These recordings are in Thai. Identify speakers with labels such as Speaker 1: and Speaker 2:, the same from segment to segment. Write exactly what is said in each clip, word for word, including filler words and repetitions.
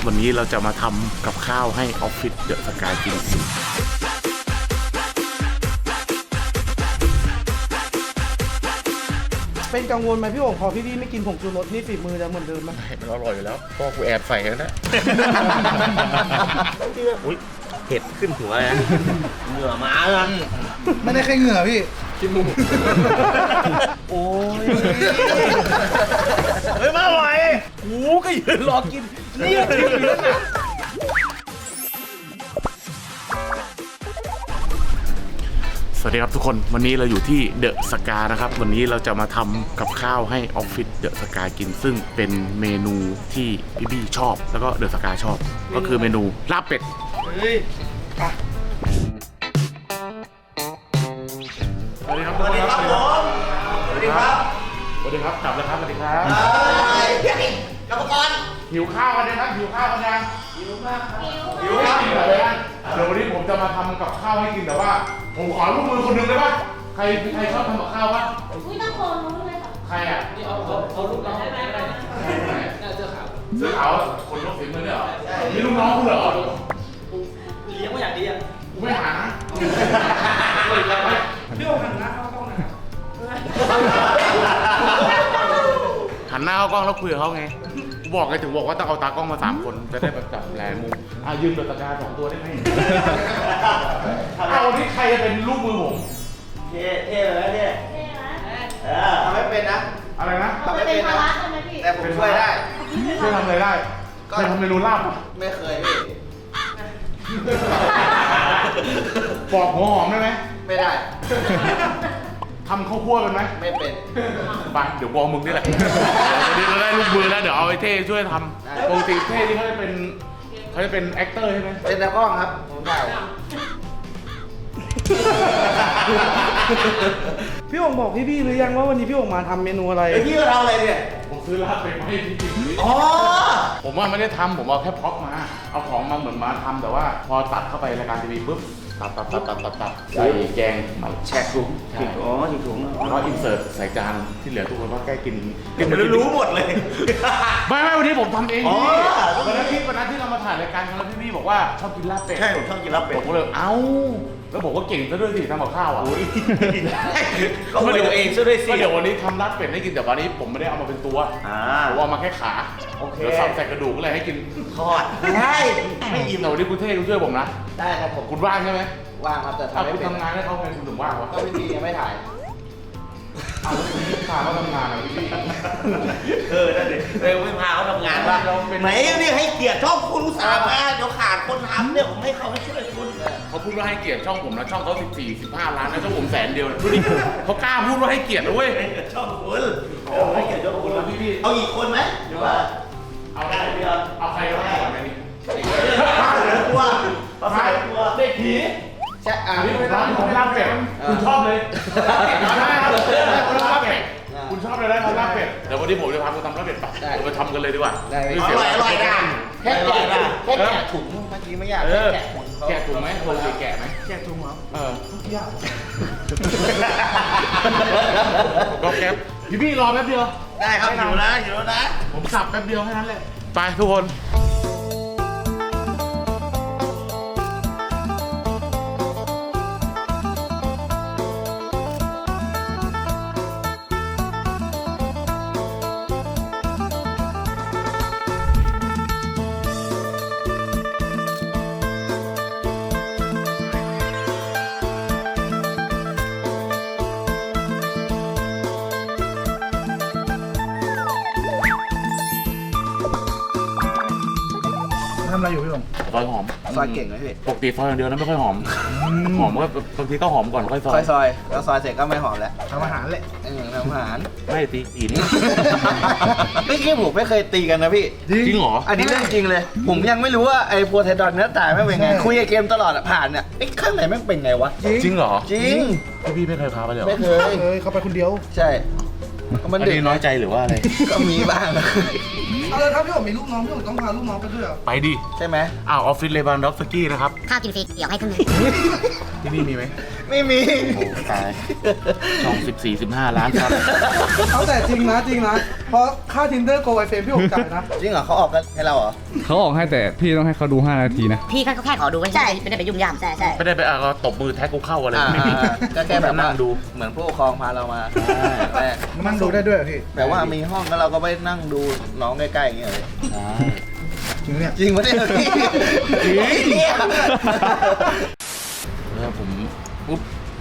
Speaker 1: วันนี้เราจะมาทำกับข้าวให้ออฟฟิศเดอะสกายกิน
Speaker 2: เป็นกังวลไหมพี่โอ่งพอพี่ๆไม่กินผงชูรสนี่ฝีมือจะเหมือนเดิมไหม
Speaker 1: มันอร่อยอยู่แล้วพ่อกูแอบใส่แล้วนะ
Speaker 3: อุ้ยเผ็ดขึ้นหัวเลยนะเหงื่อม้าเลย
Speaker 2: ไม่ได้แค่เหงื่อพี่กินมู
Speaker 3: โอ้ยเฮ้ยมาไหวกูก็ยืนรอกินนี่ก็กินอยู่แล้วนะ
Speaker 1: สวัสดีครับทุกคนวันนี้เราอยู่ที่เดอะสกานะครับวันนี้เราจะมาทำกับข้าวให้ออฟฟิศเดอะสกากินซึ่งเป็นเมนูที่พี่บี้ชอบแล้วก็เดอะสกาชอบก็คือเมนูลาบเป็ด
Speaker 3: เฮ้ย
Speaker 1: สวัสดีครับ
Speaker 3: สวัสดีครับผมสวัสดีครับ
Speaker 1: สวัสดีครับกลับแล้วครับสวัสดีครับ
Speaker 3: กรรมกร
Speaker 1: หิวข้าวกันนะครับหิวข้าวกันยัง
Speaker 3: หิวมากครับ
Speaker 1: หิวข้าวหิวอะไรกันเดี๋ยววันนี้ผมจะมาทำกับข้าวให้กินแต่ว่าผมขอลูกมือคนหนึ่งได้ป่ะใครใครชอบทำกับข้าวป่ะ
Speaker 4: อุ้ยต้องโคนนู้นเลยค่ะ
Speaker 1: ใครอ่ะ
Speaker 3: นี่เอาเอาเอาลูกน้องได้ไหมได้เสื้อขาว
Speaker 1: เสื้อขาวคนยกฝีมือเนี่ยเหรอนี่ลูกน้องคุณเหรอ
Speaker 3: เลี้ยงไม่อย่างดีอ่ะ
Speaker 1: กูไม่หานะ
Speaker 2: พี่โอ่งหันหน้าเข้ากล้องนะครับ
Speaker 1: หันหน้าเข้ากล้องแล้วคุยกับเขาไงกูบอกไงถึงบอกว่าต้องเอาตากล้องมาสามคนจะได้แบบจับแหลมมุมอ่ะยืมตัวตะกร้าสองตัวได้ไหมเอาที่ใครจะเป็นลูกมือผม
Speaker 3: เท่เท่เลยเท่
Speaker 4: ใช่ไหม
Speaker 3: เออทำไม่เป็นนะ
Speaker 1: อะไรนะ
Speaker 4: ทำไม่เป็นภาระใช่ไหมพี่
Speaker 3: แต่ผมช่วยได้
Speaker 1: ช่วยทำอะไรได้เคยทำเมนูลาบ
Speaker 3: ไม่เคยพี่
Speaker 1: ปอกหัวหอมได้ไหม
Speaker 3: ไม่ได้
Speaker 1: ทำข้าวคั่วเป็นไหม
Speaker 3: ไม่เป็น
Speaker 1: ไปเดี๋ยวบอกมึงนี่แหละเดี๋ยวเราได้ลูกมือแล้วเดี๋ยวเอาไอ้เท่ช่วยทำปกติเท่ที่เขาจะเป็นเขาจะเป็นแอคเตอร์ใช่ไหม
Speaker 3: เป็นตากล้องครับผมถ่าย
Speaker 2: พี่โอ่งบอกพี่ๆหรือยังว่าวันนี้พี่โอ่งมาทำเมนูอะไร
Speaker 3: ไอพี่ก็ทำอะไรเนี่ย
Speaker 1: ผมซื้อลาบไปให้พี่กิน
Speaker 3: อ๋อ
Speaker 1: ผมว่าไม่ได้ทำผมเอาแค่พ็อกมาเอาของมาเหมือนมาทำแต่ว่าพอตัดเข้าไปรายการทีวีปุ๊บตัดตัดตัดตัดตัดตัดใส่แกงมา
Speaker 3: แชกถุงอ๋อถุงถุง
Speaker 1: แล้วก็อินเสิร์ตใส่จานที่เหลือทุกคนก็แก้กิน
Speaker 3: กินรู้หมดเลย
Speaker 1: ไม่ไม่วันนี้ผมทำเองวันนั้นที่วันนั้นที่เรามาถ่ายรายการกันแล้วพี่พี่บอกว่าชอบกินลาบเป็ด
Speaker 3: ใช่ผมชอบกินลาบเป็ด
Speaker 1: ผมก็เลยเอ้าแล้วบอกว่าเก่งซะด้วยสิทำกับข้าวอ่ะ
Speaker 3: ก็มาดูเองซะด้วยสิ
Speaker 1: เดี๋ยววันนี้ทำลาบเป็ดให้กินแต่วันนี้ผมไม่ได้เอามาเป็นตัวผมเอามาแค่ขาเดี๋ยวสับใส่กระดูกอะไรให้กิน
Speaker 3: ทอดได้
Speaker 1: ไม่อิ่มแต่วันนี้คุณเท่คุณช่วยผมนะ
Speaker 3: ได้ครับผม
Speaker 1: คุณว่างใช่ไหม
Speaker 3: ว่างครับแต่
Speaker 1: ทำไม่เป็นทำงานให้เขาไงคุณถึงว่างวะ
Speaker 3: ก็ไม่ดียังไม่ถ่าย
Speaker 1: อ้าวแล้วคุณพาเขาทำงานอ่ะพี่
Speaker 3: เออนั่นดิเออไม่พาเขาทำงานว่าไหนนี่ให้เกียรติช่องคุณอุตส่าห์มาเดี๋ยวขาดคนทำเนี่ยผมให้เขาให้ช่วยคุณ
Speaker 1: เขาพูดว่าให้เกียรติช่องผมนะช่องเขาสิบสี่ สิบห้าล้านนะช่องผมแสนเดียวดูดิเขากล้าพูดว่าให้เกียรตินะเว้ย
Speaker 3: ช่องคุณให้เกียรติช่องคุณ
Speaker 1: พี่พี่
Speaker 3: เอาอีกคนไหมหรือว่า
Speaker 1: เอาได้เดียวเอาใครก็ได้ก่อนไหมนี่
Speaker 3: เหลือกลัวเอาใครกลัว
Speaker 1: เด็กผี
Speaker 3: ใช่อ่า
Speaker 1: นี่เป็นร้านของลาบเป็ดคุณชอบเลยได้ครับคุณลาบเป็ดคุณชอบเลยได้ครับลาบเป็ดเดี๋ยววันนี้ผมจะพาคุณทำลาบเป็ดป่ะเราไปทำกันเลยดีกว่า
Speaker 3: อร่อยอร่อยนะแค่แกะแค่แกะถุงเมื่อกี้ไม่ยากแค่แกะ
Speaker 1: แกะถุงไหมปกติแกะไหม
Speaker 2: แกะถุงเหรอ
Speaker 1: เออยากก็แก๊ปพี่พี่รอแป๊บเดียว
Speaker 3: ได้ครับอยู่นะอยู่นะ
Speaker 1: ผมสับแป๊บเดียวแค่นั้นแหละไปทุกคน
Speaker 2: ทำอะไรอยู่พี่โอ่ง
Speaker 1: ซอยหอม
Speaker 3: ซอยเก่งเลยพี่
Speaker 1: ปกติซอยอย่างเดียวนะไม่ค่อยหอมหอมก็บางทีก็หอมก่อนค่อยซอย
Speaker 3: ซอยซอยแล้วซอยเสร็จก็ไม่หอมแล้ว
Speaker 2: ทำอาหารแหละ
Speaker 3: เออทำอาหาร
Speaker 1: ไม่ตีอีนี่
Speaker 3: ไม่คิดผมไม่เคยตีกันนะพี่
Speaker 1: จริงเหรอ
Speaker 3: อันนี้เรื่องจริงเลยผมยังไม่รู้ว่าไอ้โพไทดอนเนื้อตายไม่เป็นไงคุยกับเกมตลอดผ่านเนี่ยไอ้ข้างไหนแม่งเป็นไงวะ
Speaker 1: จริงเหรอ
Speaker 3: จริง
Speaker 1: พี่พี่ไม่เคยพาไปเลย
Speaker 3: ไม่เคย
Speaker 2: เคยเขาไปคนเดียว
Speaker 3: ใช่
Speaker 1: มันเด็กน้อยใจหรือว่าอะไร
Speaker 3: ก็มีบ้าง
Speaker 2: เอาเลยครับพี่โอ๋มีลูกน้องพี่โอ๋ต้องพาลูกน้องไปด้วยเหรอ
Speaker 1: ไปดิ
Speaker 3: ใช่ไหม
Speaker 1: อ้าวออฟฟิศเลบานด็อกสกี้นะครับ
Speaker 5: ข้าวกินฟรีเดี๋ยวให้ครึ่งหนึง
Speaker 1: ที่นี่มีไหม
Speaker 3: ไม่มี
Speaker 1: โอ้ตายช่องสิบสี่ สิบห้าล้านครับ
Speaker 2: เอาแต่จริงนะจริงนะเพราะค่า Tinder Go ไอเฟรมพี่โอ๋จ่ายนะ
Speaker 3: จริงเหรอเขาออกกันให้เราเหรอ
Speaker 6: เขาออกให้แต่พี่ต้องให้เขาดูห้านาทีนะ
Speaker 5: พี่ก็แค่ขอดูไว้ใช่ไม่ได้ไปยุ่งยามใช่ใช่
Speaker 1: ไม่ได้ไปอ่ะก็ตบมือแท็กกูเข้าอะไร
Speaker 3: อ่า
Speaker 1: ไม่มี
Speaker 3: ก็แค่แบบ
Speaker 1: นั่
Speaker 3: ว่าง
Speaker 1: ดู
Speaker 3: เหมือนผู้ปกครองพาเรามาแรก
Speaker 2: นั่งดูได้ด้วยพี่
Speaker 3: แต่ว่ามีห้องแล้วเราก็ไปนั่งดูน้องใกล้ๆอย่างเงี้ยเลย
Speaker 1: ใช่
Speaker 2: จริงเนี่ย
Speaker 3: จริงปะเนี่ยพี่
Speaker 1: จริง แล้วผมปุ๊บ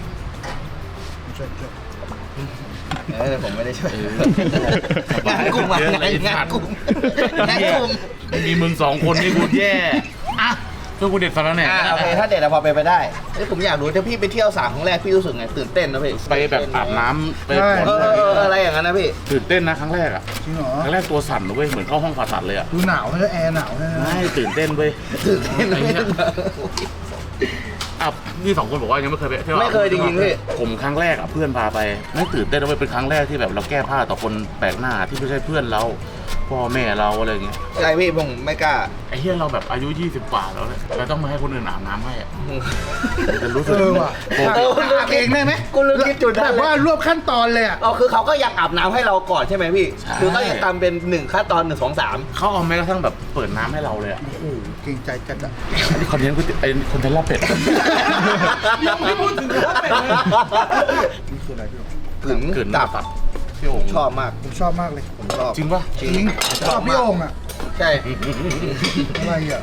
Speaker 3: เออผมไม่ได้ช่วย
Speaker 1: เออง
Speaker 3: านกลุ่มอะ
Speaker 1: เยอะ
Speaker 3: งา
Speaker 1: เลย
Speaker 3: นงานกลุ่มงานกลุ่ม
Speaker 1: มีมึงสองคนนี่กูแย่อ่ะเพื่อกูเด็ดสารแหน่
Speaker 3: อ่าโอเคถ้าเด็ดอะพอไปนไปได้เอ้ยผมอยากรู้ถ้าพี่ไปเที่ยวสามครั้งแรกพี่รู้สึกไงตื่นเต้นนะพี่
Speaker 1: ไปแบบอาบน้ำไป
Speaker 3: เอ
Speaker 1: ผ่อน
Speaker 3: อเออเอออะไรอย่างนั้นนะพี่
Speaker 1: ตื่นเต้นนะครั้งแรกอ่ะ
Speaker 2: จริงเหรอ
Speaker 1: ครั้งแรกตัวสั่นเลยเว้ยเหมือนเข้าห้องผ่าตัดเลยอ่ะ
Speaker 2: ดูหนาวเลยแอร์หนาวเลย
Speaker 1: ไม่ตื่นเต้นเว้ย
Speaker 3: ตื่นเต้น
Speaker 1: ไอ้
Speaker 3: ไม่
Speaker 1: เหี้ยอ่ะนี่สองคนบอกว่ายังไม่เคยไปเที่ยว
Speaker 3: ไม่เคยจริงๆพี่
Speaker 1: ผมครั้งแรกอ่ะเพื่อนพาไปไม่ตื่นเต้นนะเว้ยเป็นครั้งแรกที่แบบเราแก้ผ้าต่อคนแปลกหน้าที่ไม่ใช่เพื่อนเราพ่อแม่เราอะไรอย่างเงี้ย
Speaker 3: ใช่พี่ผมไม่กล้า
Speaker 1: ไอ้เหี้ยเราแบบอายุยี่สิบกว่าแล้วเนี่ยเราต้องมาให้คนอื่นอาบน้ำให้อะจะรู้สึก
Speaker 2: เออว่ะ
Speaker 1: ผม
Speaker 3: เออคุณลืมเองได้ไหมคุณลืมคิดจุดนั้น
Speaker 2: แบบว่ารวบขั้นตอนเลยอ่ะ
Speaker 3: เอาคือเขาก็ยังอาบน้ำให้เราก่อนใช่ไหมพี่ คือก็ยังตามเป็นหนึ่งขั้นตอนหนึ่งสองสาม
Speaker 1: เขาเอาแม้กระทั่งแบบเปิดน้ำให้เราเลยอ่ะ
Speaker 2: โอ้โหเก่งใจจัดอ่ะ
Speaker 1: อันนี้คอนเทนต์กูไอ้คอนเทนต์ลาบเป็ด
Speaker 2: ยังไม่พูดถึงว่าเป็นเลยนี่คืออะไรพี่โอ๋
Speaker 3: กึ๋น
Speaker 1: เกิน
Speaker 3: ตับ
Speaker 1: ตับพี่โอ่ง
Speaker 3: ชอบมาก
Speaker 2: ผมชอบมากเลย
Speaker 3: ผมชอบ
Speaker 1: จริงปะ
Speaker 3: จริ
Speaker 2: จริ
Speaker 3: ง
Speaker 2: งชอบพี่โอ่งอ่ะ
Speaker 3: ใช่
Speaker 2: อะไรอ่ะ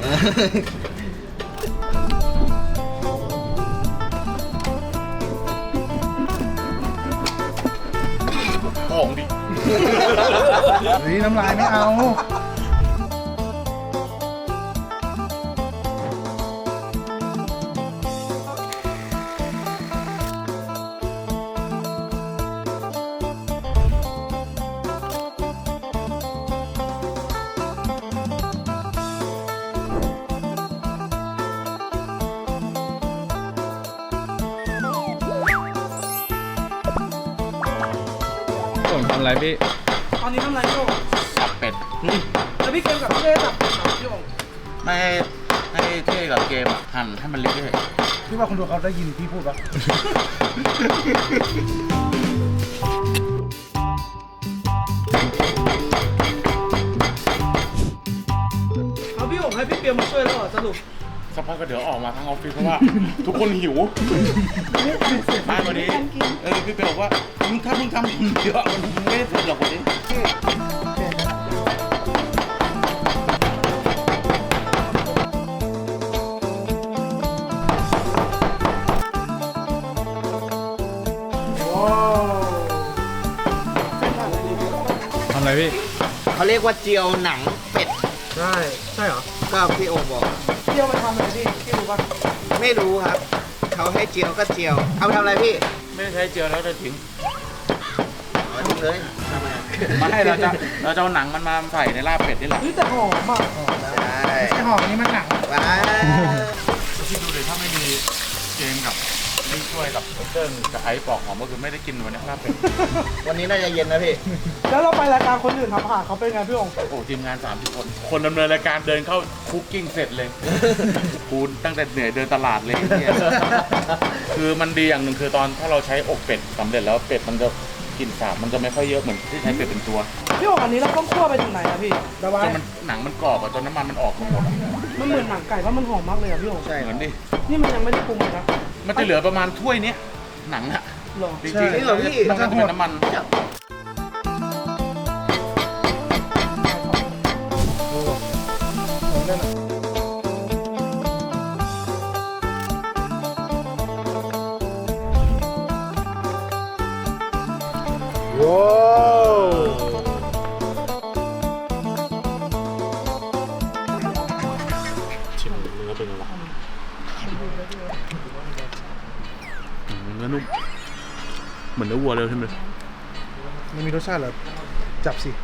Speaker 1: ของดิ
Speaker 2: เฮ้ยน้ำลายไม่เอา
Speaker 6: ส่งทำอะไรพี่
Speaker 2: ตอนนี้ทำอะไรพี่โอ่ง
Speaker 1: ตับเป็ด
Speaker 2: แล้วพี่เกมกับพี่เล่ตับพี่โอ่ง
Speaker 1: ไม่ให้ให้เท่กับเกมอะหั่นให้มันเล็กเลย
Speaker 2: พี่ว่าคนดูเขาได้ยินพี่พูดปะเอาพี่โอ่งให้พี่เปียมาช่วยแล้วเหรอสรุป
Speaker 1: สักพักก็เดี๋ยวออกมาทั้งออฟฟิศเพราะว่า ทุกคนหิวมาวันนี้เออพี่เปียบอกว่ามึงถ้ามึงทำคนเยอะมันไม่ได้เสร็จหรอกวันนี้
Speaker 6: ทำอะไรพี่
Speaker 3: เขาเรียกว่าเจียวหนังเป็ด
Speaker 2: ใช่ใช่เหรอ
Speaker 3: ก็พี่โอบอก
Speaker 2: พี่เอาไปทำอะไรพี่พี่รู้ปะ
Speaker 3: ไม่รู้ครับ เขาให้เจียวก็เจียว เอาไปทำอะไรพี่
Speaker 1: ไม่ได้ใช้เจียวแล้วจะทิ้ง
Speaker 3: เอาทิ้งเลยทำไม
Speaker 1: มาให้เราจะเราจะเอาหนังมันมาใส่ในลาบเป็ดนี่แหละ
Speaker 2: เฮ้ยแต่หอมอ่ะ
Speaker 3: ใช่
Speaker 2: ไม่ใช่หอมอันนี้มันหนัง
Speaker 3: ว้า
Speaker 1: คิดดูเลยถ้าไม่มีเจมกับนี่ช่วยกับเติ้ลกับไอ้ปอกหอมก็คือไม่ได้กินวันนี้ลาบเป็ด
Speaker 3: วันนี้น่าจะเย็นนะพี่
Speaker 2: แล้วเราไปรายการคนอื่นทำอาหารเขาเป็นไงพี่องค์
Speaker 1: โอ้ทีมงานสามสิบคน คนดำเนินรายการเดินเข้าคุกกิ้งเสร็จเลยกูตั้งแต่เหนื่อยเดินตลาดเลยเนี่ยคือมันดีอย่างหนึ่งคือตอนถ้าเราใช้อกเป็ดสำเร็จแล้วเป็ดมันจะกลิ่นสาบมันจะไม่ค่อยเยอะเหมือนที่ใช้เป็ดเป็นตัว
Speaker 2: พี่องค์อันนี้เราต้องคั่วไปถึงไหนอะพี่ระบา
Speaker 1: จ
Speaker 2: ย
Speaker 1: นมันหนังมันกรอบอะจนน้ำมันมันออกหมดอะ
Speaker 2: มันเหมือนหนังไก่เพราะมันหอมมากเลยอะพี่องค์
Speaker 3: ใช่
Speaker 1: เหมือนดิ
Speaker 2: นี่มันยังไม่ได้ปรุงเลยนะ
Speaker 1: มันจะเหลือประมาณถ้วยเนี้ยหนังอะ
Speaker 2: หรอ
Speaker 1: จริงๆ
Speaker 3: นี่เหรอพี่
Speaker 1: มันจะเป็นน้ำมัน
Speaker 2: ว้าว
Speaker 1: ชิมเนื้อเป็นไงวะอืมเนื้อนุ่มเหมือนเนื้อวัวเลยใช่ไหม
Speaker 2: มันมีรสชาติเหรอจับสิ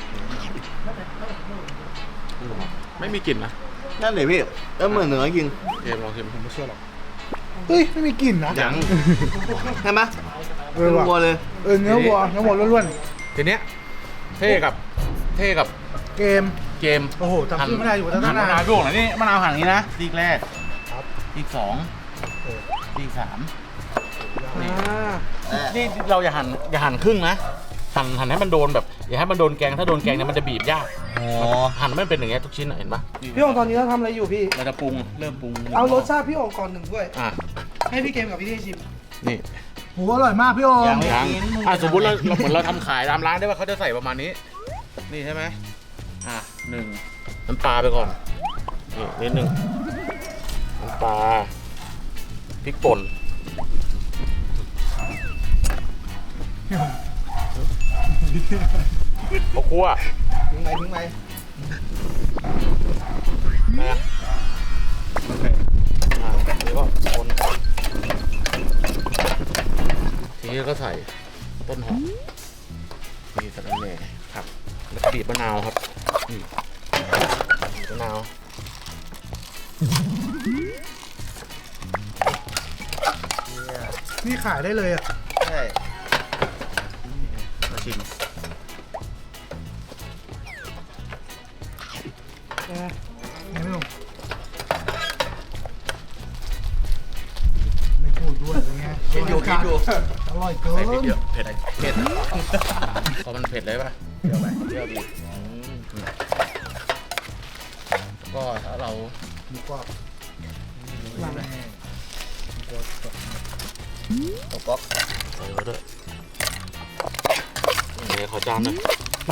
Speaker 1: ไม่มีกลิ่นนะ
Speaker 3: นั่นเลยพี่แล้วเหมือนเนื้อจริง
Speaker 1: เอมลองชิมผมไม่เชื่อหรอก
Speaker 2: เฮ้ยไม่มีกลิ่นนะ
Speaker 1: ยัง
Speaker 3: ใช่ไหม
Speaker 2: เออว่ะ
Speaker 3: วัวเลย
Speaker 2: เออเนื้อวัวเนื้อวัวล้วน
Speaker 1: ทีเนี้ยเท่กับเท่กับ
Speaker 2: ๆเกม
Speaker 1: เกม
Speaker 2: โอ้โหจำชื่อไม่ได้อยู่ตั้ง
Speaker 1: หั่นมะ
Speaker 2: นาน
Speaker 1: าวพี่โอ่งหน่อยนี่มะนาวหั่นอย่างนี้นะซีกแรกซีกสองซีกสามนี่
Speaker 2: อ่า
Speaker 1: นี่เราอย่าหั่นอย่าหั่นครึ่งนะหั่นหั่นให้มันโดนแบบอย่าให้มันโดนแกงถ้าโดนแกงเนี่ยมันจะบีบยากหั่นไม่เป็นอย่างเงี้ยทุกชิ้นอะเห็นปะ
Speaker 2: พี่โองตอนนี้เราทำอะไรอยู่พี่
Speaker 1: เราจะปรุงเริ่มปรุง
Speaker 2: เอารสชาติพี่โองก่อนหนึ่งด้วย
Speaker 1: อ่ะ
Speaker 2: ให้พี่เกมกับพี่ที่ชิม
Speaker 1: นี่
Speaker 2: โหอร่อยมากพี่โอง
Speaker 3: ยังไม่
Speaker 1: ยัง
Speaker 3: กิน
Speaker 1: อ่ะสมมติเราเราเหมือนเราทำขายตามร้านได้ว่าเขาจะใส่ประมาณนี้ นี่ใช่ไหมอ่ะหนึ่งน้ำปลาไปก่อนนี่นิดหนึ่งน้ำปลาพริกป่นข้าวคั่ว
Speaker 2: ทิ้งไหมทิ้งไหม
Speaker 1: นะอ่าแล้วก็คนทีนี้ก็ใส่ต้นหอมนี่สะระแหน่ครับแล้วก็บีบมะนาวครับนี่บีบมะนาว
Speaker 2: นี่ขายได้เลยอ่ะ
Speaker 3: ใช่
Speaker 1: มาชิม
Speaker 2: ไงพี่โองไม่พูดด้วยเป็นไง
Speaker 3: คิดอยู่คิดอยู่
Speaker 2: อร่อยเกิ
Speaker 1: ใส่พริก
Speaker 2: น
Speaker 1: เยอะเผ็ดเผ็ดพอมันเผ็ดเลยป่ะเดี๋ยวไปเดี๋ยวบีบอืมก็ถ้าเรา
Speaker 2: หมูกรอบหลัง
Speaker 3: ตบป๊อก
Speaker 1: ใส่ไว้ด้วยนี่ขอจานหน่อย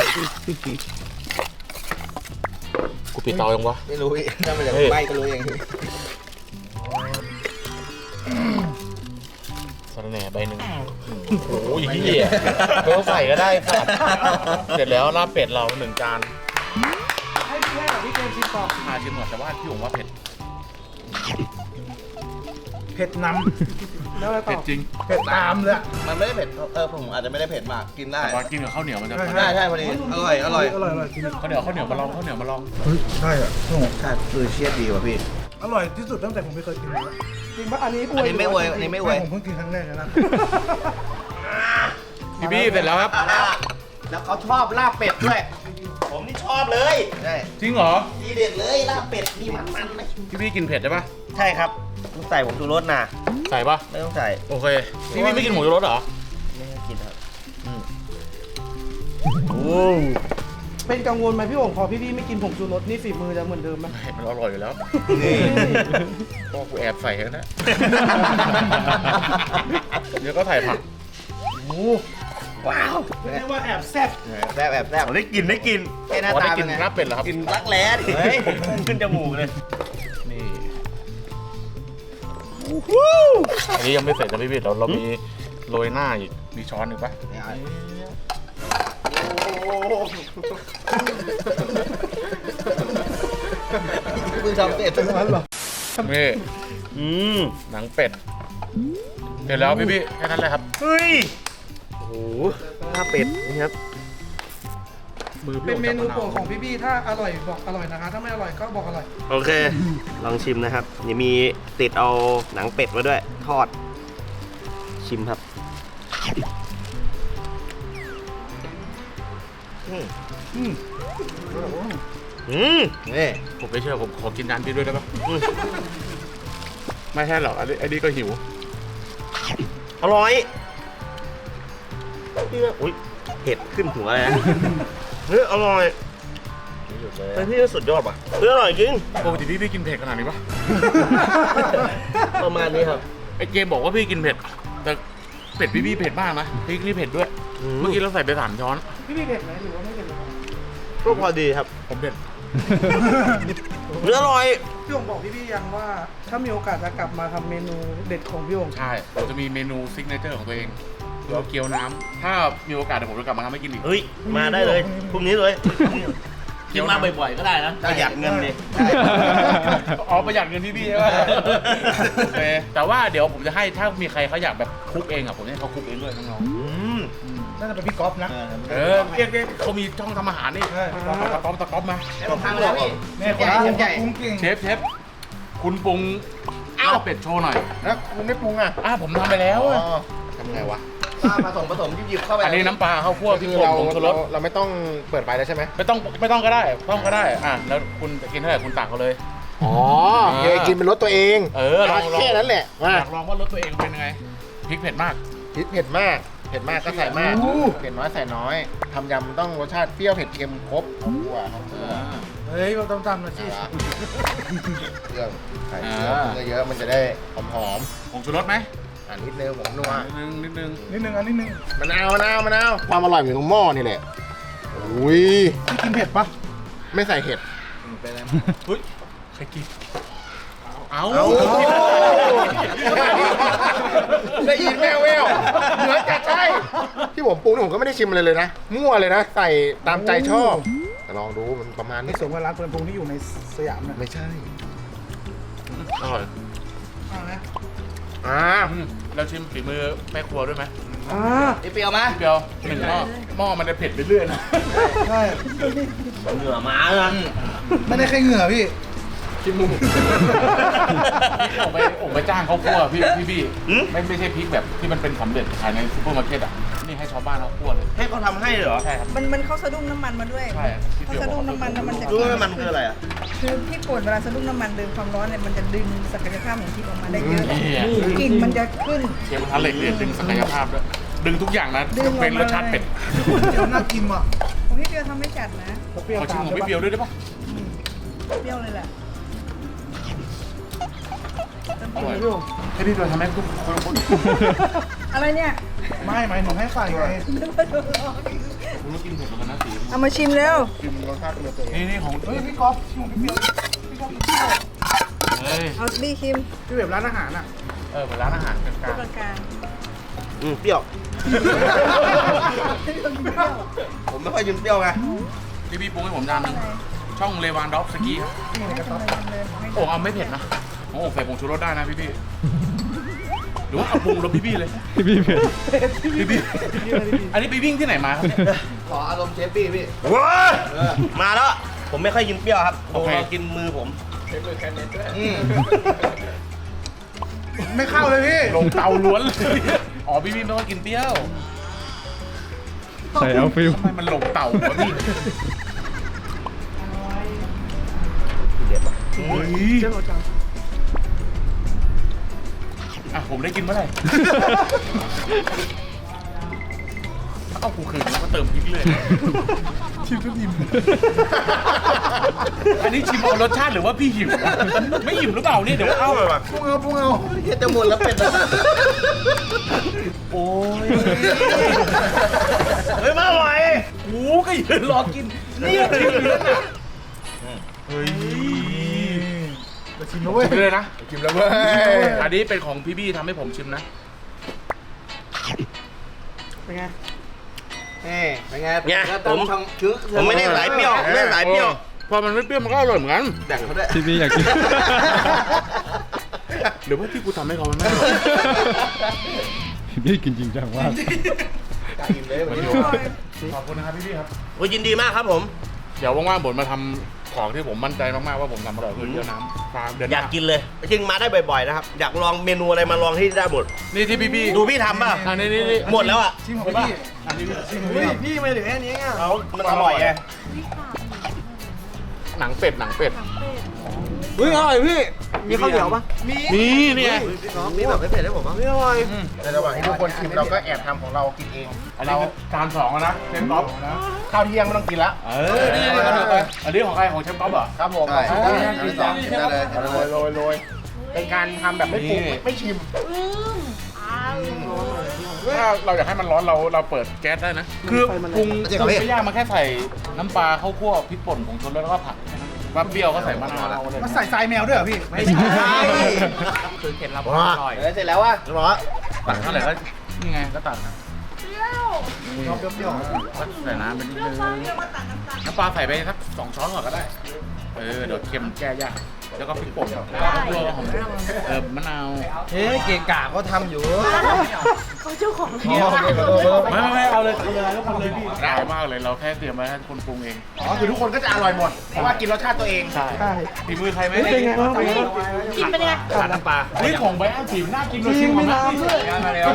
Speaker 1: กูปิดเตายังวะ
Speaker 3: ไม่รู้พี่ถ้ามันจะ
Speaker 1: เฮ้ย
Speaker 3: ไหม้ก็รู้เองพี่
Speaker 1: สะระแหน่ใบหนึ่งโอ้ยเหี้ยไม่ต้องใส่ก็ได้ค่ะเสร็จแล้วลาบเป็ดเราหนึ่งจาน
Speaker 2: ให้พี่ให้กับพี่เกมชิมก่อน
Speaker 1: อาชิมหน่อยแต่ว่าพี่ผมว่าเผ็ด
Speaker 2: เผ็ดนำแล้วอะไรต่
Speaker 1: เผ็ด
Speaker 2: อ
Speaker 1: จริง
Speaker 2: เผ็ดตามเลยอะ
Speaker 3: มันไม่ได้เผ็ดเออผมอาจจะไม่ได้เผ็ดมากกินได้
Speaker 1: แต่ว่ากินกับข้าวเหนียวมันจะ
Speaker 2: ใช่
Speaker 3: ใช่ใช่พอดีอร่อยอร่อย
Speaker 2: อร่อยอร่อยจริง
Speaker 1: ข้าวเหนียวข้าวเหนียวมาลองข้าวเหนียวมาลอง
Speaker 2: เฮ้ยใช่อ่ะโอ้โห
Speaker 3: ใช่คือเชียดดีว่ะพี่
Speaker 2: อร่อยที่สุดตั้งแต่ผมไม่เคยกินเลยจริงปะอันนี้อวย
Speaker 3: อันนี้ไม่อวยอันนี้ไม่อวย
Speaker 2: ผมเพิ่งกินครั้งแรกเลยนะ
Speaker 1: พี่บี้เสร็จแล้วครับ
Speaker 3: แล้วเขาชอบลาบเป็ดด้วย ผมนี่ชอบเลย ใช่
Speaker 1: จริงเหรอ
Speaker 3: ทีเด็ดเลยลาบเป็ดนี่มันมันๆเลย
Speaker 1: พี่บี้กินเผ็ดใช่ปะ
Speaker 3: ใช่ครับต้องใส่ผมชูรสนะ
Speaker 1: ใส่ปะ
Speaker 3: ไม่ต้องใส่
Speaker 1: โอเคพี่บี้ไม่กินหมูชูรสเหรอ
Speaker 3: ไม่ให้กินครับ
Speaker 1: โอ้
Speaker 2: เป็นกังวลไหมพี่โอ่งพอพี่พี่ไม่กินผงชูรสนี่ฝีมือจะเหมือนเดิมไหม
Speaker 1: ไม่มันอร่อยอยู่แล้ว
Speaker 3: นี่
Speaker 1: ก็กูแอบใส่แล้วนะ เดี๋ยวก็ใส่ผัก
Speaker 3: ว้าว
Speaker 2: เรียกว่าแอบแซ่บ
Speaker 3: แซ่บแอบแซ่บได้กินได้กินแค่หน้า
Speaker 1: อ๋อได้
Speaker 3: ตา
Speaker 1: กิ
Speaker 3: เป็น นไง
Speaker 1: ลาบเป็ดเหรอครับ
Speaker 3: กินรักแร้ดิเฮ้ยขึ้นจมูกเลย
Speaker 1: นี่อันนี้ยังไม่เสร็จนะพี่บี้เราเรามีโรยหน้าอีกมีช้อนหนึ่งปะ
Speaker 3: มึงทำเป็ดตรงนั้นเหรอ
Speaker 1: นี่
Speaker 3: อืม
Speaker 1: หนังเป็ดเสร็จแล้วพี่บี้แค่นั้นเลยครับ
Speaker 3: เฮ้ยโอ้โหลาบเป็ดนี่ครับ
Speaker 1: มือพี่
Speaker 2: เป็นเมนู
Speaker 1: จับะาว
Speaker 2: โปรดของพี่พี่ถ้าอร่อยบอกอร่อยนะคะ ถ้าไม่อร่อยก็บอกอร่อย
Speaker 3: โอเค ลองชิมนะครับนี่มีติดเอาหนังเป็ดมาด้วย ทอด ชิมครับอืมอืมอืมนี่
Speaker 1: ผมไม่เชื่อผมขอกินจานพี่ด้วยได้ปะ
Speaker 3: อืม
Speaker 1: ไม่ใช่หรอกอันนี้อันนี้ก็หิว
Speaker 3: อร่อยพี่ว่าอุ้ยเผ็ดขึ้นหัวเลยนะเฮ้ยอร่อยเฮ้ยพี่สุดยอดว่ะเฮ้ยอร่อยจริง
Speaker 1: ปกติพี่พี่กินเผ็ดขนาดนี้ปะ
Speaker 3: ประมาณนี้ครับ
Speaker 1: ไอเจมบอกว่าพี่กินเผ็ด แต่เผ็ดพี่พี่เผ็ดมากนะพริกนี่เผ็ดด้วย
Speaker 3: อืม
Speaker 1: เมื่อกี้เราใส่ไปสามช้อน
Speaker 2: พี่พี่เผ็ดไหมหรือว่าไม่เผ็ดเลยครับ
Speaker 3: ก็พอดีครับ
Speaker 1: ผมเผ็ด
Speaker 3: เนื้ออร่อย
Speaker 2: พี่โอ่งบอกพี่พี่ยังว่า ถ้ามีโอกาสจะกลับมาทำเมนูเด็ดของพี่โอ่ง
Speaker 1: ใช่เราจะมีเมนูซิกเนเจอร์ของตัวเองเราเกี๊ยวน้ำถ้ามีโอกาสเดี๋ยวผมจะกลับมาทำให้กินอีก
Speaker 3: เฮ้ย มาได้เลยพรุ่งนี้เลย
Speaker 1: กินมาบ่อยๆก็ได้นะ
Speaker 3: ประหยัดเงินดิ
Speaker 1: อ๋อประหยัดเงินพี่พี่ใช่ไหมโอเคแต่ว่าเดี๋ยวผมจะให้ถ้ามีใครเขาอยากแบบคุกเองอ่ะผมจะให้เขาคุกเองด้วยน้อง
Speaker 3: อืม
Speaker 2: น่าจะเป็นพี่ก๊อฟนะ
Speaker 1: ๆเออเรียกเรียกเขามีช่องทำอาหารนี่
Speaker 2: ใช่
Speaker 1: ตะก๊อปตะก๊อปมา
Speaker 3: ทำแล้วพี่
Speaker 2: เนี่ยคนปรุงปรุงเก่ง
Speaker 1: เชฟเชฟคุณปรุงลาบเป็ดโชว์หน่อย
Speaker 3: แล้วคุณไม่ปรุงอ่ะ
Speaker 1: อ่ะผมทำไปแล้วอะ
Speaker 3: ทำไงวะผสมผสมหยิบๆเข้าไป
Speaker 1: อันนี้น้ำปลาข้าวคั่วพริกป่นผงชูรส
Speaker 7: เราไม่ต้องเปิดไฟแล้วใช่ไหม
Speaker 1: ไม่ต้องไม่ต้องก็ได้ต้องก็ได้อ่ะแล้วคุณจะกินเท่าไหร่คุณตักเขาเลย
Speaker 7: อ๋อเยกินเป็นรสตัวเอง
Speaker 1: เออลองลอง
Speaker 7: แค่นั้นแหละว่า
Speaker 1: อยากลองว่ารสตัวเองเป็นยังไงพริกเผ็ดมาก
Speaker 7: พริกเผ็ดมากเผ็ดมากก็ใส่มากเผ็ดน้อยใส่น้อยทำยำต้องรสชาติเปรี้ยวเผ็ดเค็มครบข้าวคั่วข้าวคั่ว
Speaker 2: เฮ้ยเราต้องทำนะสิ
Speaker 7: เครื่องใส่เครื่องเยอะๆมันจะได้หอม
Speaker 1: ผงชูรสไหม
Speaker 7: ๆอ่านิดนึงผมนัว
Speaker 1: นิดนึงนิดนึง
Speaker 2: นิดนึงอันนิดนึง
Speaker 7: มะนาวมะนาวมะนาวความอร่อยอยู่ตรงหม้อนี่แหละอุ้ย
Speaker 2: พี่กินเผ็ดปะ
Speaker 7: ไม่ใส่เห็ด
Speaker 1: เฮ้ยใครกินเอา
Speaker 7: ได้ยินแววแววเหมือนจะใช่ที่ผมปรุงนี่ผมก็ไม่ได้ชิมอะไรเลยนะมั่วเลยนะใส่ตามใจชอบแต่ลองดูมันประมาณ
Speaker 2: ไม่
Speaker 7: นี้
Speaker 2: สมกับร้านเฟิร์นพงที่อยู่ในสยามนะ
Speaker 7: ไม่ใช่
Speaker 1: อร่อย
Speaker 2: เอาไหม
Speaker 7: อ่า
Speaker 1: อืมเราชิมฝีมือแม่ครัวด้วยไหม
Speaker 2: อ่า
Speaker 3: เปรี้ยวไหม
Speaker 1: เดียวหนึ่งหม้อหม้อมันจะเผ็ดไปเรื่อยนะ
Speaker 2: ใช่
Speaker 3: เหงื่อมาแล้ว
Speaker 2: ไม่ได้แค่เหงื่อพี่
Speaker 1: ชิมมูผมไปผมไปจ้างเขาคั่วพี่พี่พี่ไม่ไม่ใช่พริกแบบที่มันเป็นสำเร็จขายในซูเปอร์มาร์เก็ตอ่ะนี่ให้ชาวบ้านเขาคั่วเลย
Speaker 3: ให้เขาทำให้เหรอ
Speaker 1: ใช่ครับ
Speaker 8: มันมันเข้าสะดุ้งน้ำมันมาด้วย
Speaker 1: ใช่พี่
Speaker 8: เขา
Speaker 1: เปียว
Speaker 8: สะ
Speaker 1: บ
Speaker 8: ดุ้
Speaker 1: อก
Speaker 8: งน้ำมันแล้วมันจะ
Speaker 3: รู้ไหมมันคืออะไรอ่ะ
Speaker 8: คือพริกป่นเวลาสะดุ้งน้ำมันดึงความร้อนเนี่ยมันจะดึงศักยภาพของพริกออกมาได้เยอะ
Speaker 1: นี่
Speaker 8: กลิ่นมันจะขึ้น
Speaker 1: เชฟกระทะเหล็กเนี่ยดึงศักยภาพด้วยดึงทุกอย่างนะ
Speaker 8: ดึงออกมา
Speaker 1: เป็นรสชาติเป็ด
Speaker 2: เดี๋ยวน่ากินว่ะ
Speaker 8: ของพี่เปียวทำไม่จัดนะ
Speaker 2: เปรี้ยว
Speaker 1: ขอชิม
Speaker 2: ตาม
Speaker 1: ของพี่เปียวด้วยได้ปะ
Speaker 8: เปรี้ยวเลยแหละ
Speaker 1: อร่อยให้พี่เปียวทำให้ทุกคนคน
Speaker 8: อะไรเนี่ย
Speaker 2: ไม่หมายถึงให้ใส่ไง
Speaker 8: นึกว่าโดนหลอก
Speaker 1: ผมไม่กินเผ็ดเหมือนกันนะสี
Speaker 8: เอามาชิมเร็ว
Speaker 7: ชิมรสชาติเป็นตัวเอง
Speaker 1: นี่นี่ของ
Speaker 2: เฮ้ยพี่ก๊อฟชิมของพี่เปรี้ยวพี่ก๊อฟพี่เปรี้ยว
Speaker 1: เฮ้ย
Speaker 8: เอาบี้ชิม
Speaker 2: พี่แบบร้านอาหารอ่ะ
Speaker 1: เออเป็นร้านอาหารกลาง
Speaker 8: ตัวกลาง
Speaker 3: อืมเปรี้ยว ผมไม่ค่อยกินเปรี้ยวไง
Speaker 1: ๆพี่พี่ปรุงให้ผมจานหนึงช่องเลวานดอฟสกี้ครับ
Speaker 8: ๆให้ทำเลยทำเลยให้
Speaker 1: โอ่งเอาไม่เผ็ดนะโอ่งใส่ผงชูรสได้นะพี่พี่หรือว่าเอาปรุงรสพี่พี่เลย
Speaker 6: พี่พี่เผ็ด
Speaker 1: พี่พี่อันนี้ไปวิ่งที่ไหนมาครับเนี่ย
Speaker 3: ขออารมณ์เชฟบี้พี่ว้ามาแล้ว ผมไม่ค่อยกินเปรี้ยวครับผ
Speaker 1: โอ
Speaker 3: ม
Speaker 1: เค
Speaker 3: ลองกินมือผมอืม
Speaker 2: ไม่เข้าเลยพี่
Speaker 1: ลงเตาล้วนเลยอ๋อพี่พี่ไม่ว่ากินเปรี้ยว
Speaker 6: ใส่เอาฟิล
Speaker 1: ทำไมมันลงเตาวะพี่เฮ้ย
Speaker 2: เจ้าหนูจัง
Speaker 1: อ่ะผมได้กินเมื่อไหร่เอากูคืนแล้วก็เติมพริกเลย
Speaker 2: ชิมจนอิ่ม
Speaker 1: อันนี้ชิมเอารสชาติหรือว่าพี่หิวไม่หิวหรือเปล่าเนี่ยเดี๋ยวเอา
Speaker 2: ปรุงเอาปรุงเอา
Speaker 3: เฮ็ดจะหมดแล้วเป็ด
Speaker 1: โอ้ย
Speaker 3: เฮ้ยมาไหว
Speaker 1: โอ้ก็ยืนรอกินเนี่ยชิมอยู่นั่นน่ะเฮ้ย
Speaker 2: จะชิมแล้วเว้ย
Speaker 1: ชิมเลยนะ
Speaker 7: ชิมแล้วเว้ย
Speaker 1: อันนี้เป็นของพี่บี้ทำให้ผมชิมนะ
Speaker 2: เป็นไง
Speaker 3: นี่เป็นไงเนี่ยผมผมไม่ได้สายเปรี้ยวไม่ได้สายเปรี้ยว
Speaker 1: พอมันไม่เปรี้ยวมันก็อร่อยเหมือนกัน
Speaker 3: แบ่งเขาด้วย
Speaker 6: พี่พี่อยากกิน
Speaker 1: หรือว่าที่กูทำให้เขามันไม่อร่อย
Speaker 6: พี่พี่กินจริงจังมาก
Speaker 1: ขอบคุณนะครับพี่บี้ครับ
Speaker 3: โอ้ยยินดีมากครับผม
Speaker 1: เดี๋ยวว่างๆผมมาทำของที่ผมมั่นใจมากๆว่าผมทำอร่อยคือเยอะน้ำปลาเดือนห
Speaker 3: อยาก
Speaker 1: น้า
Speaker 3: กินเลยจริงมาได้บ่อยๆนะครับ อยากลองเมนูอะไรมาลองที่ได้หมด
Speaker 1: นี่ที่พี่บี้
Speaker 3: ดูพี่ทำป่ะ
Speaker 1: อันนี้นี่นี่
Speaker 3: หมดแล้วอ่ะ
Speaker 2: ชิมของพี่
Speaker 1: อันนี้พี่
Speaker 2: ชิมของพี่พี่ไม่เหลือแค่นี้อ่ะ
Speaker 3: เขามันอร่อยไง
Speaker 1: หนังเป็ดหนังเป็ด
Speaker 2: เฮ้ยอร่อยพี่ มีข้าวเหนียวปะมี
Speaker 1: นี่เนี่ย
Speaker 3: มีแบบไม่เผ็ดให้ผมบ้าง
Speaker 2: ไม่อร่อย
Speaker 7: ในระหว่างที่ทุกคนชิมเราก็แอบทำของเรากินเอง
Speaker 1: อันนี้คือจานสองแล้วนะเชฟก๊อฟ
Speaker 7: ข้าวเที่ยงไม่ต้องกินละ
Speaker 1: เออนี่นี่นี่นี่อันนี้ของใครของเชฟก๊อฟเหรอ
Speaker 7: ครับผม
Speaker 3: ใช่
Speaker 7: เอาไปกินต่อ
Speaker 1: นี่
Speaker 7: ได้เลยโรยโรยโรยเป็นการทำแบบไม่ปรุง
Speaker 1: นี่
Speaker 7: ไม่ชิม
Speaker 1: ถ้าเราอยากให้มันร้อนเราเราเปิดแก๊สได้นะ คือปรุงปรุงไม่ยากมันแค่ใส่น้ำปลาข้าวคั่วพริกป่นผงชูรสแล้วก็ผักว่าเปรี้ยวก็ใส่มะนาวอะไร
Speaker 2: มาใส่ทรายแมวด้วยเหรอพี่
Speaker 1: ไม่ใช่คือเคล็ดลับความอร่อย
Speaker 3: เสร็จแล้ววะรอ
Speaker 1: ตักเท่าไหร่ก็นี่ไงก็ตักนะ
Speaker 8: อ
Speaker 7: ชอบเปรี้ยว
Speaker 1: ใส่น้ำไปนิดนึงน้ำปลาใส่ไปสักสองช้อนก่อนก็ได้ เออเดี๋ยวเค็มแก้ยากแล้วก็พริกป่นแล้วก็ตัวหอมเออมะนาว
Speaker 2: เฮ้ยเก่งกาก็ทำอยู่
Speaker 4: เขาเจ้าของ
Speaker 7: ๆอ๋อโอเคขอโทษขอโทษ
Speaker 1: ไม่ไม่ไม่เอาเลยทำเลยทุกคนเลยพี่ได้มากเลยเราแค่เตรียมไว้ให้คนปรุงเอง
Speaker 7: อ๋อคือทุกคนก็จะอร่อยหมดเพราะว่ากินรสชาติตัวเอง
Speaker 1: ใช่ฝีมือใครไหม
Speaker 2: เป็นไงบ้างเป็นไง
Speaker 4: กินเป็นยังไง
Speaker 1: ขาดน้ำปลาเฮ้ยของใบอันสีน่ากินเลยชิมของน้ำด้วยมาแล้ว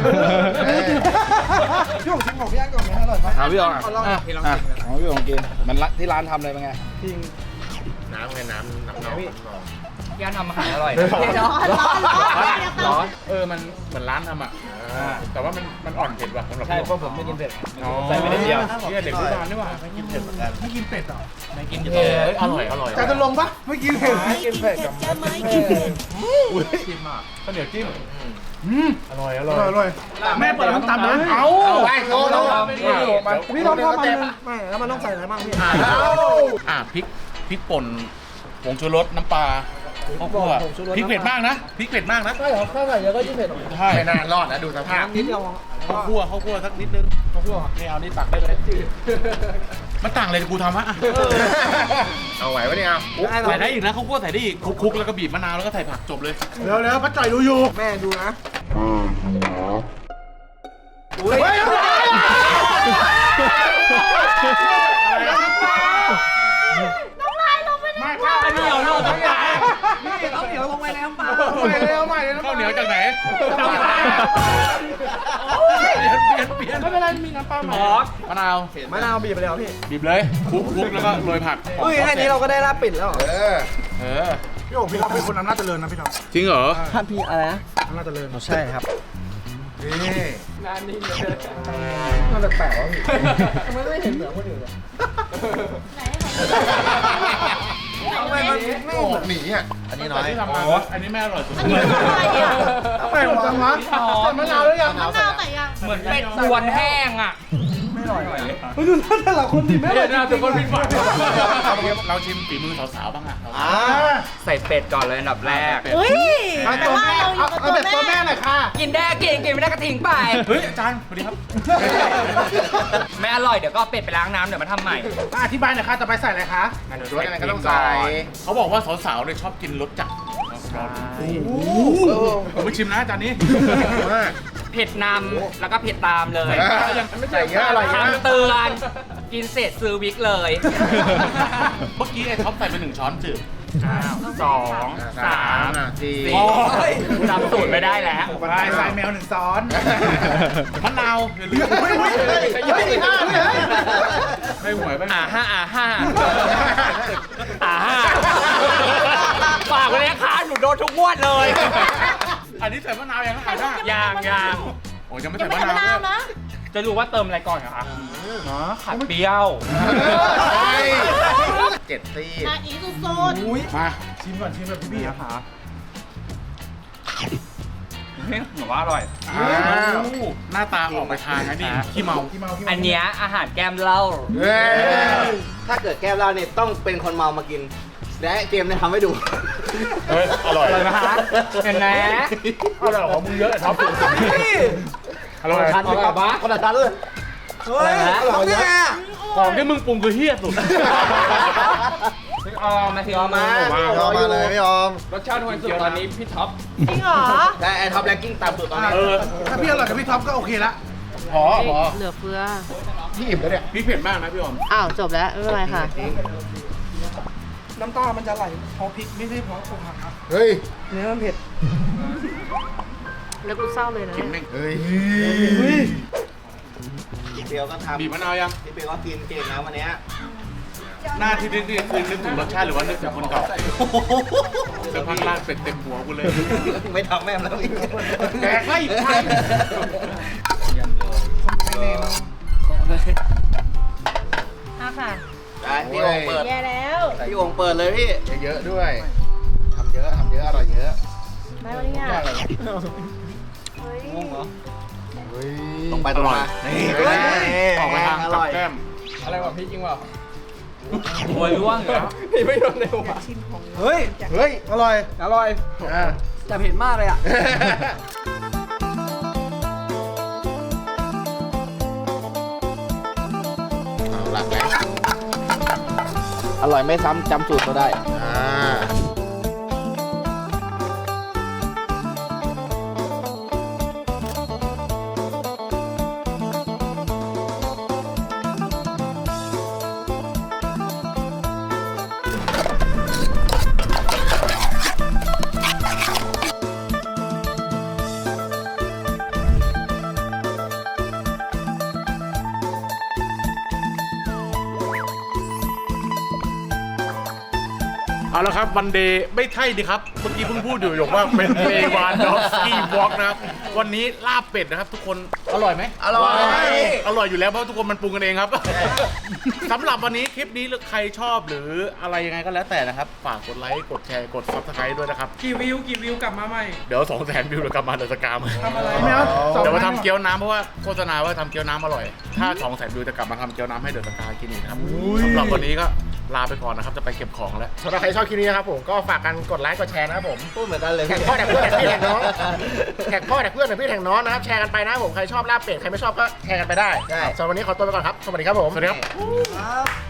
Speaker 2: พี่ผมชิมของพี่อันก่อนไหมอร่อยปะ
Speaker 3: เอาพี่อองอ่ะ
Speaker 2: ลองพี่ลอง
Speaker 3: อ่ะของพี่อองกินมันละที่ร้านทำเลยเป็นไง
Speaker 2: จริง
Speaker 7: น้ำไงน้ำน้ำนอง
Speaker 3: พี่อันทำอาหารอร่อย
Speaker 4: ร้อนร้อนร้อนเดี๋ยวเตา
Speaker 1: ร้อนเออมันเหมือนร้านทำอ่ะแต่ว่ามันมันอ่อนเผ็ดว่ะสำหรับ
Speaker 3: ใช่เพราะผมไม่กินเผ็ด
Speaker 1: อ๋อ
Speaker 3: ใส่ไปนิดเดียว
Speaker 1: เนี่ยเด็กผู้บานนี่หว่าไม่กินเผ็ดเหมือนกัน
Speaker 2: ไม่กินเป็ดหรอ
Speaker 3: ไม่กิน
Speaker 1: เออเอ้ยอร่อยอร่อย
Speaker 2: จานจะลงปะไม่กินเผ็ดไม่กินเผ็ดกับ
Speaker 1: จิ้มอ่ะข้าวเหนียวจิ้มอืมอร่อยอร่อย
Speaker 2: อร่อยแม่เปิดร้านตำนะ
Speaker 1: เอา
Speaker 7: ไปโชว์โชว์
Speaker 2: พี่ต้องทำมันไม่แล้วมันต้องใส่อะไรบ้างพี่
Speaker 1: อ่ะพริกพริกป่นผงชูรสน้ำปลาข้าวคั่วพริกเผ็ดมากนะพริกเผ็ดมากนะ
Speaker 2: ใช่เหรอข้าวใส่เยอะก็ยิ่งเผ็ด
Speaker 1: ใช่
Speaker 7: ไม่น่ารอดนะดูสภาพ
Speaker 2: นิดเดียว
Speaker 1: ข้าวคั่วข้าวคั่วสักนิดนึงข้าวคั่วนี่เอานี่ตักได้เลยมันต่างเลยกูทำฮะ
Speaker 7: เอาไหวปะเนี่ย
Speaker 1: ใส่ได้อีกนะข้าวคั่วใส่ได้อีกคลุกๆแล้วก็บีบมะนาวแล้วก็ใส่ผักจบเลย
Speaker 2: เร็วเร็วป้าจ่อยดูอยู่แม่ดูนะอุ้ย
Speaker 4: น้ำลายลงไปใน
Speaker 1: ไม่ข้าวเหนียวเราทั้งหลาย
Speaker 2: นี่เขาเหนียวลงไปในน้ำปลาใหม่เลยเอาใหม่เลย
Speaker 1: ข้าวเหนียวจากไหน
Speaker 2: น้ำปลา
Speaker 1: เปลี่ยนเปลี่ยนเปลี่ยนไม่เป็นไรมีน้ำปลาหมอมะนาว
Speaker 2: มะนาวบีบไปแล้วพี่
Speaker 1: บีบเลยคลุกคลุกแล้วก็โรยผัก
Speaker 2: อุ้ยแค่นี้เราก็ได้ลาบปิดแล้ว
Speaker 7: เออ
Speaker 1: เออ
Speaker 2: พี่โอ๋พี่ท็อปเป็นคนอำนาจเจริญนะพี่ท็อป
Speaker 1: จริงเหรอ
Speaker 2: ท่านพี่อะไรนะอำนาจเจริญใช่ครับ
Speaker 7: นี่
Speaker 2: มันแปลกๆวะพี่ทำไมไม่เห็นเหมือนคนอื่นเลย ทำไมมันไม่
Speaker 7: โอ้
Speaker 2: เหมือน
Speaker 7: หนีอ่ะ
Speaker 3: อันนี้น้อย
Speaker 1: ที่ทำมาอันนี้แม่อร่อยสุด
Speaker 4: อันนี้อะไรอ่ะ
Speaker 2: ทำไมหมดจังวะใส่มะนาวแล้วยัง
Speaker 4: มะนาวใส่ยัง
Speaker 3: เหมือนเป็ดส่วนแห้งอ่ะ
Speaker 2: ไม่อร่อยไปดูหน้าแต่ละคนดิไม่อร่อย
Speaker 1: น่าจะคนผิดหวังเราชิมฝีมือสาวๆบ้างอ่ะ
Speaker 2: อ่า
Speaker 3: ใส่เป็ดก่อนเลยอันดับแรก
Speaker 4: เฮ้ย
Speaker 2: เอา
Speaker 4: แต่
Speaker 2: ตัว
Speaker 4: ว่า
Speaker 2: แม่
Speaker 4: เราอยู่
Speaker 2: เอา
Speaker 4: กับ
Speaker 2: เอา
Speaker 4: ตัว
Speaker 2: แบบตัว
Speaker 4: แม่
Speaker 2: แม่หน่อยค่ะ
Speaker 3: กินได้กินกินไม่ได้ก็ทิ้งไป
Speaker 1: เฮ้ยอาจารย์สวัสดีครับ
Speaker 3: ไม่อร่อยเดี๋ยวก็เอาเป็ดไปล้างน้ำเดี๋ยวมาทำใหม่
Speaker 2: อธิบายหน่อยค่ะต่อไปใส่อะไรคะ
Speaker 7: รสอะไรก็ต้องใส่
Speaker 1: เขาบอกว่าสาวๆเนี่ยชอบกินรสจัดผมไปชิมนะอาจารย์นี้
Speaker 3: เผ็ดนำแล้วก็เผ็ดตามเลย
Speaker 7: ใส่เยอะอร่อยเยอะ
Speaker 3: คำเตือนกินเสร็จซื้อวิกเลย
Speaker 1: เมื่อกี้ไอ้ท็อปใส่ไปหนึ่งช้อนจืด
Speaker 3: สองสาม
Speaker 7: สี่
Speaker 3: สี่จำสูตรไม่ได้แล้ว
Speaker 2: ใส่ใส่แมวหนึ่งซ้อน
Speaker 1: มะนาวอย่าลืม
Speaker 2: เฮ้ยเฮ้ยเฮ้ยเฮ้ยห้าเลย
Speaker 1: ไม่หวยไป
Speaker 3: อ่าห้าอ่าห้าอ่าห้าฝากไว้เลยนะคะหนูโดนทุกงวดเลย
Speaker 1: อันนี้ใส่มะนาวยังอ่านได้
Speaker 3: ยางยาง
Speaker 1: โอ้ยังไม่
Speaker 4: ยั
Speaker 1: ใส่
Speaker 4: งไม่
Speaker 1: มะ
Speaker 4: ใส่มะ
Speaker 1: นาน
Speaker 4: าว ว
Speaker 1: ด้วย
Speaker 4: นะ
Speaker 3: จะรู้ว่าเติมอะไรก่อนเหรอคะเนาะขัดเปรี้ยว
Speaker 7: เจ็ดซี่
Speaker 4: นาอีสุด
Speaker 2: อุ้ย
Speaker 1: มา
Speaker 2: ชิมก่อนชิมแบบพี่ๆอะค่ะ
Speaker 3: หนูว่าอร่อย
Speaker 1: อ้าวหน้าตาออกไปทางนะนี่ขี้เมา
Speaker 2: ที่เมาที่เมา
Speaker 3: อันเนี้ยอาหารแก้มเหล้า
Speaker 7: เฮ้ย
Speaker 9: ถ้าเกิดแก้วเหล้าเนี่ยต้องเป็นคนเมามากิน และเกมเนี่ยทำให้ดู
Speaker 1: เฮ้ยอร่อย
Speaker 3: อร่อยไหมคะเห็นไหม
Speaker 1: อร่อยของมึงเยอะท็อปอร่อย
Speaker 9: ทันไหมครับคนละทันเลย
Speaker 2: เฮ้ยอร่อยเยอะ
Speaker 1: ของที่มึงปรุงคือเฮี้ยสุด
Speaker 3: พี่ออมมาทีออมมา
Speaker 7: ยอมมาเลยไม่ยอม
Speaker 3: รสชาติทวนสุดตอนนี้พี่ท็อป
Speaker 4: จริงเหรอ
Speaker 9: แต่ไอ้ท็อปแรงกิ้งต่ำสุดตอนนี้
Speaker 1: เออ
Speaker 2: ถ้าพี่อร่อยกับพี่ท็อปก็โอเคละ
Speaker 1: พอพอ
Speaker 4: เหลือเฟือ
Speaker 7: พี่อิ่มแล้วเนี่ย
Speaker 1: พริกเผ็ดมากนะพี่ออม
Speaker 4: อ้าวจบแล้วไม่เป็นไรค่ะ
Speaker 2: น้ำตามันจะไหลเพราะพริกไม่ใช่เพราะอกหักครับ
Speaker 7: เฮ้ย
Speaker 2: เนื้อมันเผ็ด
Speaker 4: แล้วกูเศร้าเลยนะ
Speaker 1: กินแม่ง
Speaker 7: เฮ้ย
Speaker 9: พี่เปียวก็ทำ
Speaker 1: บีบมะนาวยัง
Speaker 9: พี่เปียวก็กินเก่งนะวันเนี้ย
Speaker 1: หน้าที่นึกนี่คือนึกถึงรสชาติหรือว่านึกถึงคนเก่าเสื้อผ้าล่างเป็ดเต็มหัวกูเลย
Speaker 9: ไม่ทำแม่มแล้วอีก
Speaker 1: แดกไม่ทัน
Speaker 4: เอาค่ะ
Speaker 9: ได้พี่โอ่งเปิด
Speaker 4: แย่แล้ว
Speaker 9: พี่โอ่งเปิดเลยพี่
Speaker 7: เยอะๆด้วยทำเยอะทำเยอะอร่อยเยอะ
Speaker 4: ได้วันนี้อ่ะเฮ้ย
Speaker 9: งงเหรอ
Speaker 7: เฮ้ย
Speaker 9: ตรงไปตรงมา
Speaker 7: นี่
Speaker 9: เฮ้ย
Speaker 1: ออกไปทาง
Speaker 9: อ
Speaker 1: กับ
Speaker 9: ร่อย
Speaker 1: แก้ม
Speaker 3: อะไรวะพี่จริงเปล่าโวยร่วงเหรอ
Speaker 2: พี่ไม่โดนเร็วอ่ะเฮ้ย
Speaker 7: เฮ้ย
Speaker 2: อร่อย อร่อย
Speaker 7: อ่ะ
Speaker 2: แต่เผ็ดมากเลยอ่ะ
Speaker 7: ลักแล้ว
Speaker 9: อร่อยไม่ซ้ำจำสูตรเราได้
Speaker 7: อ่า
Speaker 1: เอาละครับวันเดย์ไม่ใช่ดิครับเมื่อกี้เพิ่งพูดอยู่หยกว่าเป็นเลวานดอฟสกี้วอล์กนะครับวันนี้ลาบเป็ดนะครับทุกคนอร่อยไหม
Speaker 3: อร่อย
Speaker 1: อร่อยอยู่แล้วเพราะทุกคนมันปรุงกันเองครับ สำหรับวันนี้คลิปนี้ใครชอบหรืออะไรยังไงก็แล้วแต่นะครับฝากกดไลค์กดแชร์กดซับสไครต์ด้วยนะครับ
Speaker 2: กี่วิวกี่วิวกลับมาใหม่
Speaker 1: เดี๋ยวสองแสนวิวเดี๋ยวกลับมาเดอะสกาม
Speaker 2: ทำอะไร
Speaker 7: ไม่เอา
Speaker 1: เดี๋ยวมาทำเกี๊ยวน้ำเพราะว่าโฆษณาว่าทำเกี๊ยวน้ำอร่อยถ้าสองแสนวิวจะกลับมาทำเกี๊ยวน้ำให้เดอะสกากินอีกนะครับสำหรับวันนี้ก็ลาไปก่อนนะครับจะไปเก็บของแล้ว
Speaker 7: สำหรับใครชอบคลิปนี้นะครับผมก็ฝากกันกดไลค์กดแชร์นะครับผม
Speaker 9: พูดเหมือนกันเลย
Speaker 7: แท็กพ่อแท็กเพื่อนแท็กพี่แท็กน้องแท็กพ่อแท็กเพื่อนแท็กพี่แท็กน้องนะครับแชร์กันไปนะครับผมใครชอบลาบเป็ดใครไม่ชอบก็แชร์กันไปได้
Speaker 9: ใช่
Speaker 7: สำหรับวันนี้ขอตัวไปก่อนครับสวัสดีครับผม
Speaker 1: สวัสดีครับ
Speaker 9: ครับ